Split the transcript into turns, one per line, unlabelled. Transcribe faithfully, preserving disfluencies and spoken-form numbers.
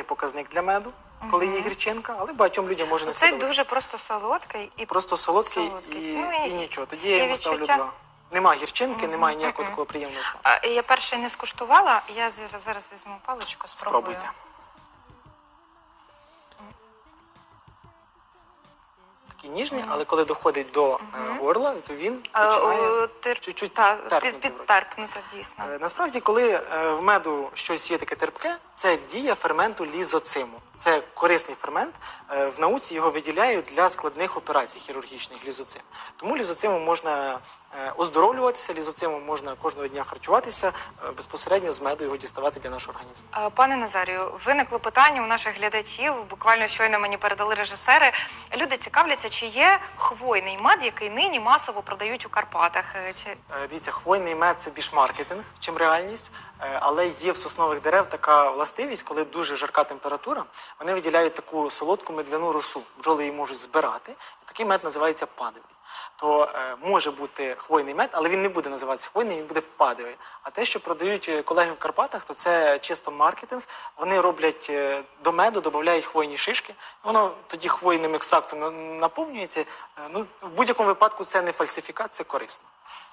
показник для меду, коли є гірчинка, але багатьом людям може не
Цей
сподобатися.
дуже просто солодкий і
Просто солодкий,
солодкий.
І,
Ну, і-
і нічого. Тоді я
і
йому ставлю
відчуття?
два. Нема гірчинки, немає ніякого
Мгм.
такого приємного смаку.
А, я перший не скуштувала, я зараз, зараз візьму паличку, спробую.
Спробуйте. Такий ніжний, але коли доходить до е, горла, то він
А,
починає
о, тер...
чуть-чуть
та,
терпнути
під,
в роті.
підтерпнуто, дійсно.
Е, Насправді, коли е, в меду щось є таке терпке, це дія ферменту лізоциму. Це корисний фермент. Е, В науці його виділяють для складних операцій хірургічних лізоцим. Тому лізоцимом можна е, оздоровлюватися, лізоцимом можна кожного дня харчуватися, е, безпосередньо з меду його діставати для нашого організму.
А, Пане Назарію, виникло питання у наших глядачів, буквально щойно мені передали режисери. Люди цікавляться, чи є хвойний мед, який нині масово продають у Карпатах. Е, Чи...
Е, Дивіться, хвойний мед – це більш маркетинг, чим реальність, е, але є в соснових дерев така властивість, коли дуже жарка температура, вони виділяють таку солодку медвяну росу. Бджоли її можуть збирати, і такий мед називається падовий. То е, може бути хвойний мед, але він не буде називатися хвойний, він буде падовий. А те, що продають е, колеги в Карпатах, то це чисто маркетинг. Вони роблять е, до меду, додають хвойні шишки, воно тоді хвойним екстрактом на- наповнюється. Е, ну, в будь-якому випадку це не фальсифікат, це корисно.